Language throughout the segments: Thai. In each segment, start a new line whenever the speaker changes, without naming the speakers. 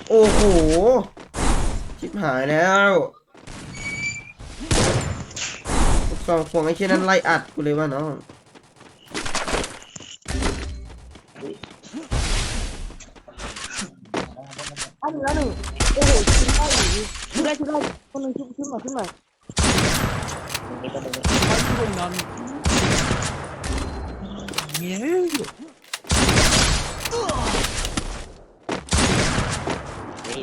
โอ้โหชิบหายแล้วสองพวงไอ้เช่นนั้นไล่อัดกูเลยว่าน้อง
อันนี้แล้วหนึ่งโอ้โหชิ้นได้อยู่ชิ้นได้คนหนึ่งชิ้นมาขึ้นมา
นี่ก็เป็น
ไปตรงนั้นเงี้ย
นี่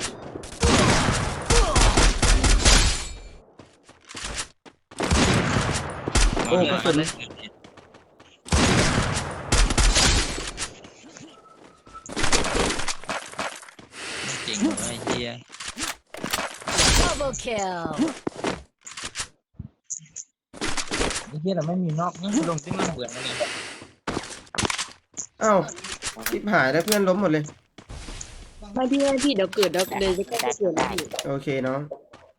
โอ้กระสุน
เก่งเลยไอ้เฮีย
Double kill.
ไอ้เฮียเราไม่มีนอกนี่ลงที่มันเบื่อเลย
เอ้าชิบหายแล้วเพื่อนล้มหมดเลย
ไม่พี่เดี๋ยวเกิดเดี๋ยวจะใกล้จะเกิดแล้วพี่
โอเคน้อง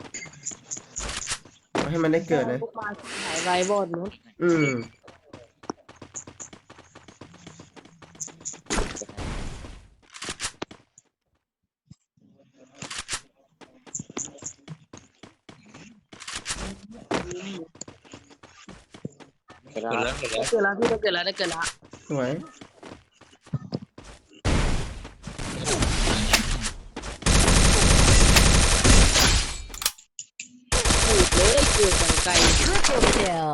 เอาให้มันได้เกิดนะ
พวกมาหายไรบอดนู้น
อืม
เสร็จ
เกิด
แล้
แล้ว วเกิดแล้ว
เกิดแล้วพี่เกิดแล้ว
สวย
ถูกเลยเกิดอย่างไกล
Triple kill.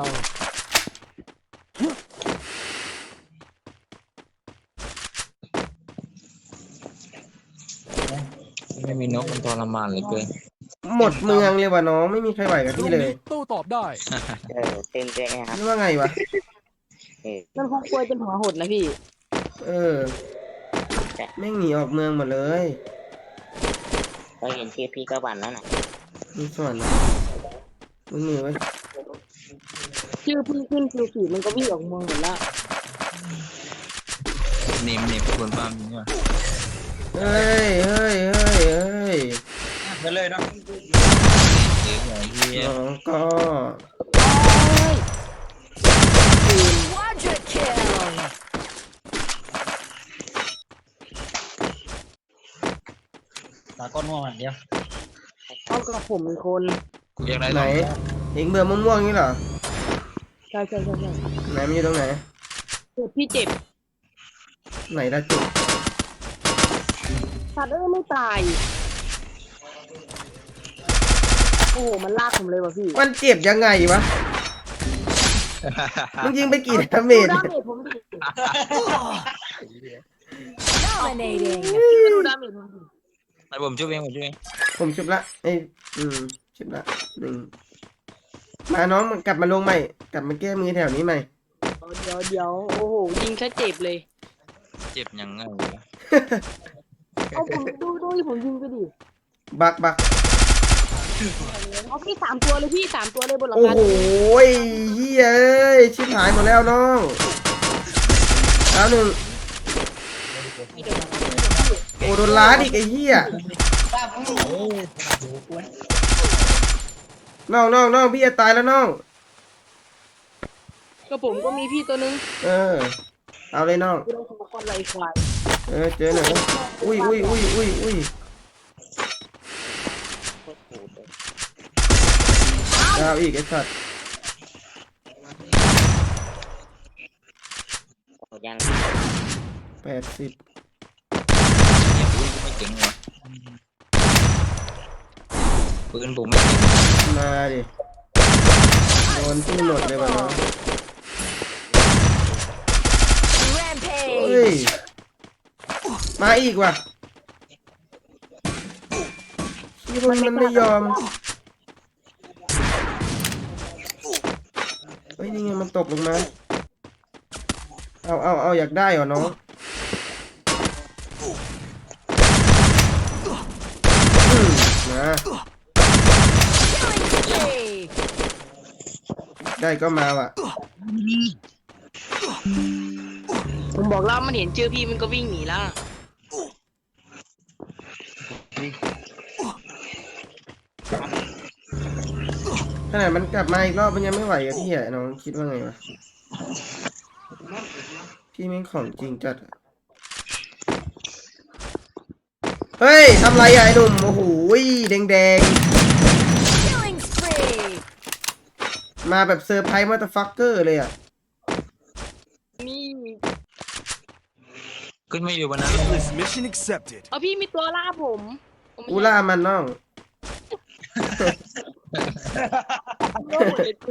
ไม่มีนกมันทรมานเหลือเกิน
หมดเมืองเลยว่ะน้องไม่มีใครไหวกับ
ตรง
พี่เลย
นี้โต้ตอบได้
เต้นด้วยนะครับ
นี่ว่าไงวะ
นั่นคงกลัวจนหัวหดนะพี่
เออแม่งหนีออกเมืองหมดเลย
ก็เห็นชื่อพี่ก็หวั่นแล้วนะ
มีส่วนนะมึงหนีไว้
ชื่อเพิ่งขึ้นคิวฟีมันก็วิ่งออกเมืองหมดแล้ว
เนมควรฟาร์มจริงว่ะ
เฮ้ย
ไปเลยเนาะเจ๊ใหญ่เฮีย
น้องก็
Quadra kill.
ตาก้อนง่วงเดียว
เอากับผมเป็นคน
กูอยากได้
ไหนเห็นเบื่อม่วงๆนี่เหรอ
ใช่
ไหนมันอยู่ตรงไหน
เกิดพี่เจ็บ
ไหนละจุด
สัตว์ไม่ตายโอ้โหมันลากผมเลยว่ะพี่
มันเจ็บยังไงวะมึงยิงไปกี่ดาเมจ
ดูดาเมจผมดิ
Dominating.
ดูดาเมจผมดิ
ไอ้ผมช่วยเองผมช่วยเอง
ผมชุบละชุบละหนึ่งมาน้องมันกลับมาลงใหม่กลับมาแก้มือแถวนี้ใหม่
เดี๋ยวโอ้โหยิงแค่เจ็บเลย
เจ็บยังไงวะ
เอาผมดูผมยิงไปดิ
บัก
เอาพี่3 ตัวเลยพี่3 ตัวเลยบนหลัง
โอ้
คา
โหเฮียเอ้ยชิบหายหมดแล้วน้องแล้วหนึ่งโอ้โดนล้าดอีกไอ้เฮียน้องพี่จะตายแล้วน้อง
ก็ผมก็มีพี่ตัวนึง
เอาเลยน้อง
กูต้องขอคนไรควาย
เจอหน่อยอุ้ย
โคตรปูดเลย
ดาวอีกไอ้สัตว์
โอ้ยัง
80
เนี่ยปืนกูไม่เจ๋งว่ะปืนผมไม่เจ๋ง
มาดิโดนที่หมดเลยว่ะน้องเฮ้ย
Rampage.
มาอีกว่ะที่พวกนี้มันไม่ยอมเฮ้ยนี่ไงมันตกลงมาเอาอยากได้เหรอน้องมา
Killing spree.
ได้ก็มาว่ะ
ผมบอกแล้วมันเห็นชื่อพี่มันก็วิ่งหนีแล้ว
ขนาดมันกลับมาอีกรอบมันยังไม่ไหวกับพี่อ่ะน้องคิดว่าไงวะพี่แม่งของจริงจัดอะเฮ้ยทำไรอ่ะไอ้หนุ่มโอ้โหแดง
Killing spree.
ๆมาแบบเซอร์ไพรส์มาตอร์ฟักเกอร์เลยอ่ะ
นี่
ขึ้นไม่อยู่บนนั้น
This mission accepted.
เอาพี่มีตัวล่าผมผมไม่
กูล่ามันน้อง
โดนหมดเลยกู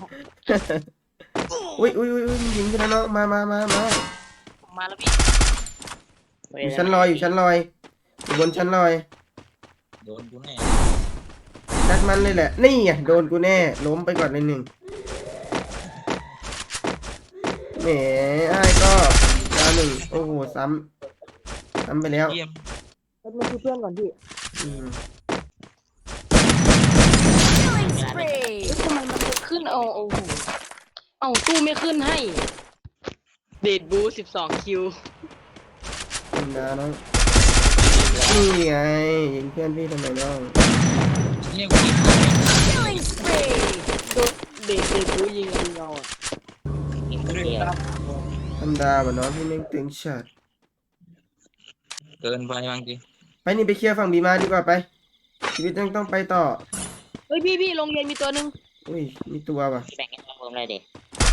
อุ้ยมันยิงกันแล้วน้องมา
มาแล้วพี่
อยู่ชั้นลอยอยู่บนชั้นลอย
โดนกูแน่
นัดมันเลยแหละ นี่ไงโดนกูแน่ ล้มไปก่อนเลยหนึ่งแหมไอ้ายก็ดาวหนึ่งโอ้โหซ้ำไปแล้ว
เยี่ยม
แล้วมันคือเพื่อนก่อนพี่
อืม
Killing spree.
ทำไมมันไม่ขึ้นโอ้โหเอาตู้ไม่ขึ้นให้ เดดบู12 คิว
ธรรมดาน้องนี่ไงยิงเพื่อนพี่ทำไมน้อง
เนี่ยกูยิง
Killing spree.
โดนเดดบูยิงกันเราอ่ะ
กินคนเดียว
ธรรมดาบ่น้องพี่แม่งตึงชัด
เกินไปบางที
ไปนี่ไปเคลียร์ฝั่งบีมาดีกว่าไป ชีวิตยังต้องไปต่อ
เฮ้ยพี่โรงเรียนมีตัวหนึง
อุ้ยมีตัวว่ะ
พี่แบ่งให้น้องผมเลยดิ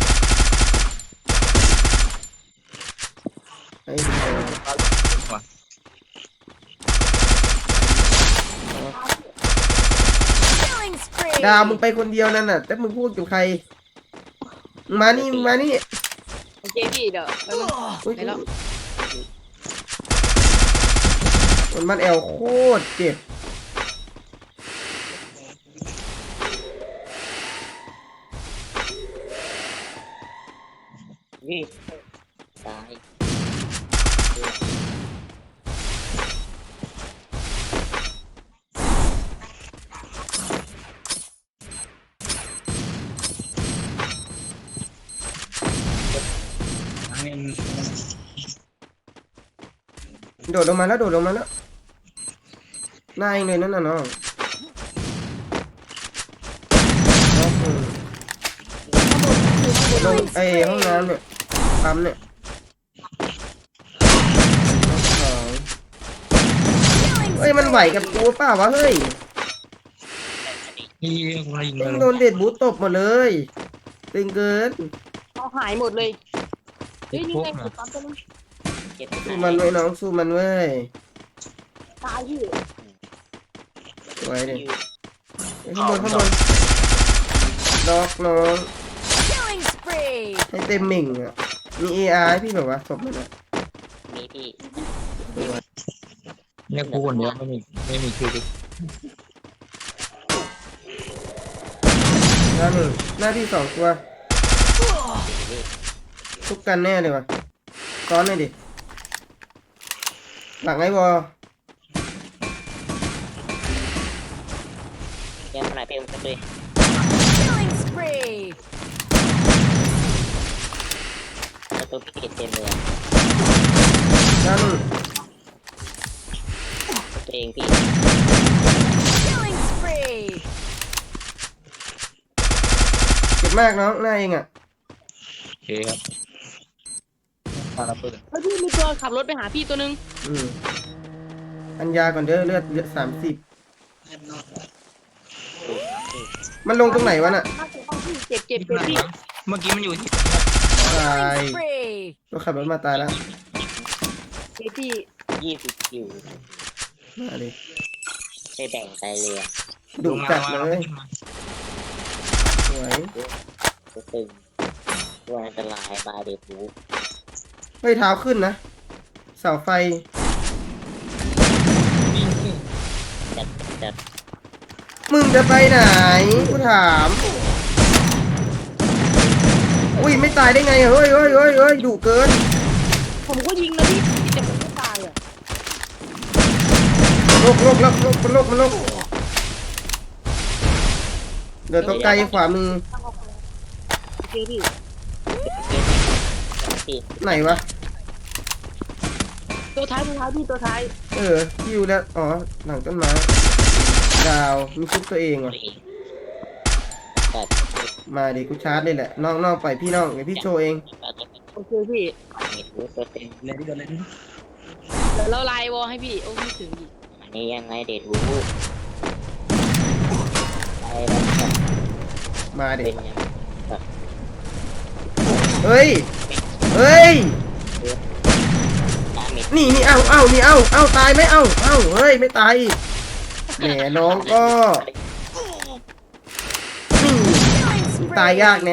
ไอ้เหี้ย
ว่ะ
Killing spree.
ดาวมึงไปคนเดียวนั่นน่ะ แต่มึงพูดกับใครมึงมานี่
โอเคพี่เดี๋ยวไปมัน
อุ้ย
ไปแล้ว
มันแอลโคตรเจ็บ
ยี่ตาย
อันนี้
โดดลงมาแล้วหน้าเองเลยนั่นน่ะน้องลงไอ้ห้องน้ำเนี่ยปั๊มเนี่ยสอง
Killing
เฮ้ยมันไหวกับกูเปล่าวะเฮ้ย
นี่กูยิงเล
เอ็ง
ย
โดนเด็ดบูทตบหมดเลยตึงเกิน
เอาหายหมดเลย
ติ
เฮ้ย
ด
นี่
คุก
ไง
นะ
คือปั๊มตัวนึง
เจ็บ
สู้มันไว้น้องสู้มันเว้ย
ตายพี่
สวยดิเฮ้ยข้างบนดอกน้อง
Killing spree.
ให้เต็มหมิ่งอ่ะมี AR ให้พี่แบบว่าศพมันอ่ะ
มีพี่
เนี่ยกูคนเดียวไม่มีคือ
หน้าที่สองตัวทุกกันแน่เลยว่ะซ้อนเลยดิหลังไอ้วอ
แกมหน่อยเพิ่มกันเลย
Killing spree.
ประตูพี่เต็มเลย
ด้าน
ตัวเองพี่
Killing spree.
เจ็บมากน้องหน้าเองอ่ะ
โอเคครับปาระเบิด
เฮ้ยพี่มีตัวขับรถไปหาพี่ตัวนึง
อัญญาก่อนเด้อเลือด30มันลงตรงไหนวะน่ะ
น่าจะต้องพี่เจ็บ
ที่ไหน
พี่
วะเมื่อกี้มันอยู่ที่
ตาย
Killing spree.
ตัวขับรถมาตายแล้ว
เจ็บพี่
20 คิว
มาดิ
ไม่แบ่งใจเลยอะ
ดุจัดเลย
ขึ้นมา
สวย
ตัวตึงตัวอันตรายบาเดบู
เฮ้ยเท้าขึ้นนะเสาไฟ
จัด
มึงจะไปไหนกูถาม อุ้ยไม่ตายได้ไงอะเฮ้ยดุเกิน
ผมก็ยิงนะพี่แต่ผมไม่ตายอ่ะ
โลกมันโลกเดี๋ยวตัวไกลขวามือ
โอเคพี่
พี่
ไหนวะ
ตัวท้ายพี่ตัวท้าย
พี่อยู่แล้ว อ๋อ หลังต้นไม้ ดาวมีชุบตัวเอง
ตัว
ว่ะ
เองแต่
มาดิกูชาร์จเลยแหละ น้องปล่อยพี่น้องเดี๋ยวพี่โชว์เอง
โอเคพี่
มีตัวเต็ม
เลยดิ
เดี๋ยวเราไลน์วอลให้พี่โอ้ไม่ถึงอีก
อันนี้ยังไงเด็ดวูไอ้แบบ
มาเด็
เป็
ก
นยัง
เฮ้ยเฮ้ย
น้ำมิด
นี่เอาตายไหมเอ้าเฮ้ยไม่ตายอีกแหมน้องก็นี่
Killing
ตาย
spree.
ยากนะ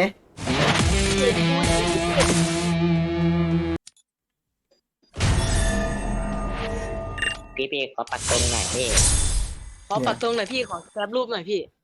พี่ขอปักตรงหน่อยพี่
ขอปักตรงหน่อยพี่ขอแคปรูปหน่อยพี่